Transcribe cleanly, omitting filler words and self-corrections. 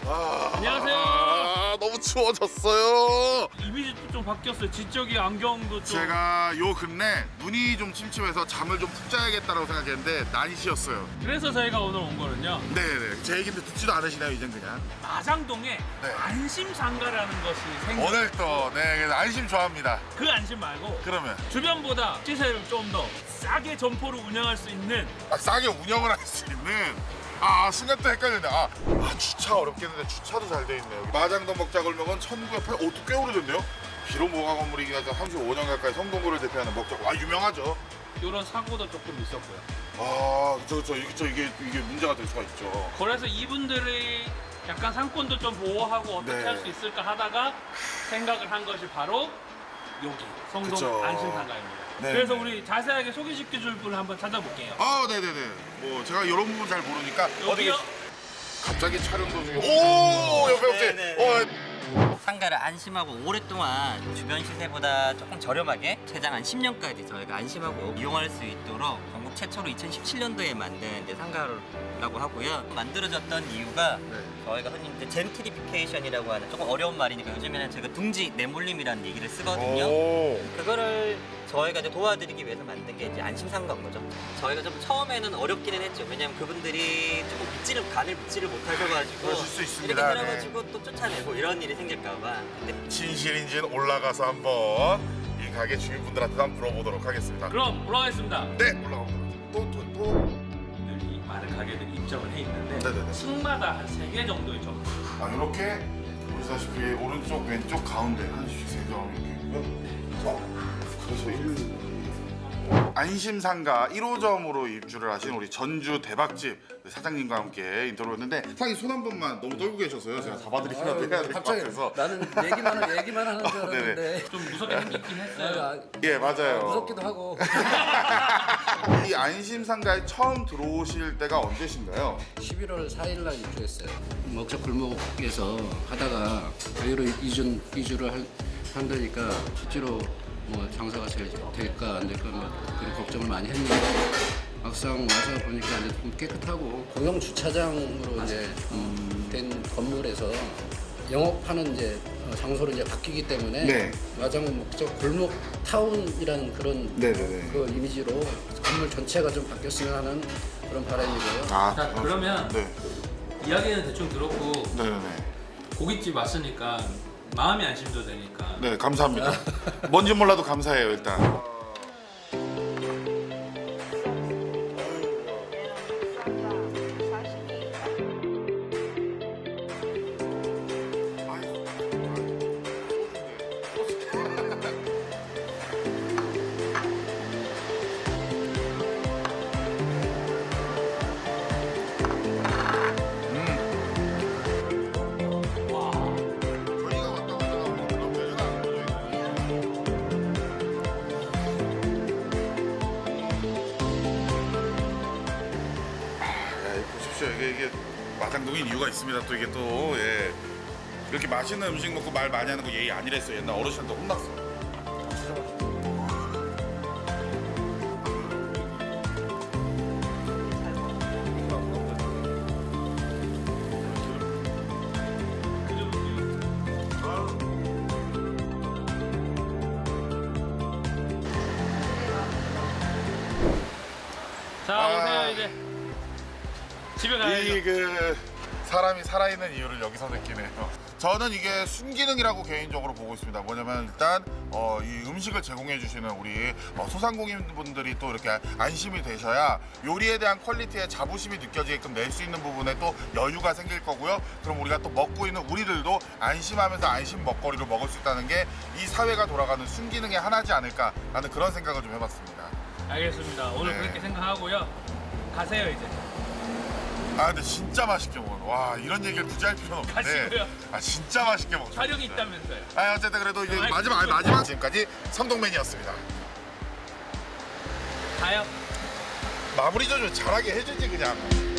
안녕하세요. 너무 추워졌어요. 이미지도 좀 바뀌었어요. 지적이 안경도 좀. 제가 요 근래 눈이 좀 침침해서 잠을 좀 푹 자야겠다라고 생각했는데 난시였어요. 그래서 저희가 오늘 온 거는요. 네네. 제 얘기인데 듣지도 않으시나요 이젠 그냥. 마장동에 네. 안심상가라는 것이 생겨. 오늘 또 그래서 안심 좋아합니다. 그 안심 말고 그러면 주변보다 시세를 좀 더 싸게 점포를 운영할 수 있는. 싸게 운영을 할 수 있는 순간 또 헷갈리네. 주차 어렵겠는데 주차도 잘 돼 있네요. 마장동 먹자골목은 1908. 또 꽤 오래됐네요. 비로모가 건물이긴 하죠. 35년 가까이 성동구를 대표하는 먹자. 유명하죠. 이런 사고도 조금 있었고요. 그렇죠. 이게 문제가 될 수가 있죠. 그래서 이분들이 약간 상권도 좀 보호하고 어떻게 네. 할 수 있을까 하다가 생각을 한 것이 바로 여기 성동 그쵸. 안심상가입니다. 네. 그래서 우리 자세하게 소개시켜 줄 분을 한번 찾아볼게요. 네네네. 뭐 제가 이런 부분 잘 모르니까 여기요? 갑자기 촬영 도중에 옆에 혹시 네네. 상가를 안심하고 오랫동안 주변 시세보다 조금 저렴하게 최장 한 10년까지 저희가 안심하고 이용할 수 있도록 전국 최초로 2017년도에 만든 이제 상가라고 하고요. 만들어졌던 이유가 저희가 흔히 이제 젠트리피케이션이라고 하는 조금 어려운 말이니까 요즘에는 제가 둥지 내몰림이라는 얘기를 쓰거든요. 그거를 저희가 이제 도와드리기 위해서 만든 게 이제 안심상가인 거죠. 저희가 좀 처음에는 어렵기는 했죠. 왜냐면 그분들이 조금 간을 믿지를 못하셔가지고 그러실 수 있습니다. 이렇게 해가지고 또 쫓아내고 이런 일이 생길까봐. 근데 진실인지는 올라가서 한번 이 가게 주인분들한테 한번 물어보도록 하겠습니다. 그럼 올라가겠습니다. 네, 올라가보도록. 또. 이 많은 가게들이 입점을 해 있는데 네네네. 층마다 한 3개 정도의 점. 이렇게 보시다시피 오른쪽, 왼쪽, 가운데 하나씩 세 점 이렇게 있고요. 그래서 안심상가 1호점으로 입주를 하신 우리 전주 대박집 사장님과 함께 인터뷰했는데 사장님 손 한 번만 너무 떨고 계셔서요. 제가 잡아드리면 해야 될 것 갑자기 같아서. 나는 얘기만 하는 줄 알았는데 좀 무섭게 생기긴 했어요. 예, 맞아요. 무섭기도 하고. 이 안심상가에 처음 들어오실 때가 언제신가요? 11월 4일 날 입주했어요. 먹자 골목에서 하다가 여기로 이주를 한다니까 실제로 뭐 장사가 잘 될까 안 될까 뭐 그런 걱정을 많이 했는데 막상 와서 보니까 이제 좀 깨끗하고 공영 주차장으로 이제 된 건물에서 영업하는 이제 장소로 이제 바뀌기 때문에 네. 마장동 목적 골목 타운이라는 그런 네네네. 그 이미지로 건물 전체가 좀 바뀌었으면 하는 그런 바람이고요. 자, 그러면 네. 이야기는 대충 들었고 네네네. 고깃집 왔으니까 마음이 안심도 되니까. 네, 감사합니다. 뭔지 몰라도 감사해요, 일단. 저희가 왔다 갔다 하면 그런 별일 안 보여요. 보십시오. 이게 마장동인 이유가 있습니다. 또 이게 또 이렇게 맛있는 음식 먹고 말 많이 하는 거 예의 아니랬어요. 옛날 어르신한테 혼났어. 자, 오세요 이제. 집에 가야죠. 사람이 살아있는 이유를 여기서 느끼네요. 저는 이게 순기능이라고 개인적으로 보고 있습니다. 뭐냐면 일단 이 음식을 제공해 주시는 우리 소상공인분들이 또 이렇게 안심이 되셔야 요리에 대한 퀄리티에 자부심이 느껴지게끔 낼 수 있는 부분에 또 여유가 생길 거고요. 그럼 우리가 또 먹고 있는 우리들도 안심하면서 안심 먹거리를 먹을 수 있다는 게 이 사회가 돌아가는 순기능의 하나지 않을까라는 그런 생각을 좀 해봤습니다. 알겠습니다. 오늘 네. 그렇게 생각하고요. 가세요 이제. 근데 진짜 맛있게 먹어요. 와, 이런 얘기를 굳이 할 필요는 없는데. 가시고요. 진짜 맛있게 먹어요. 촬영이 있다면서요. 어쨌든 그래도 이제 아이, 마지막 지금까지 성동맨이었습니다. 가요. 마무리 좀 잘하게 해주지 그냥.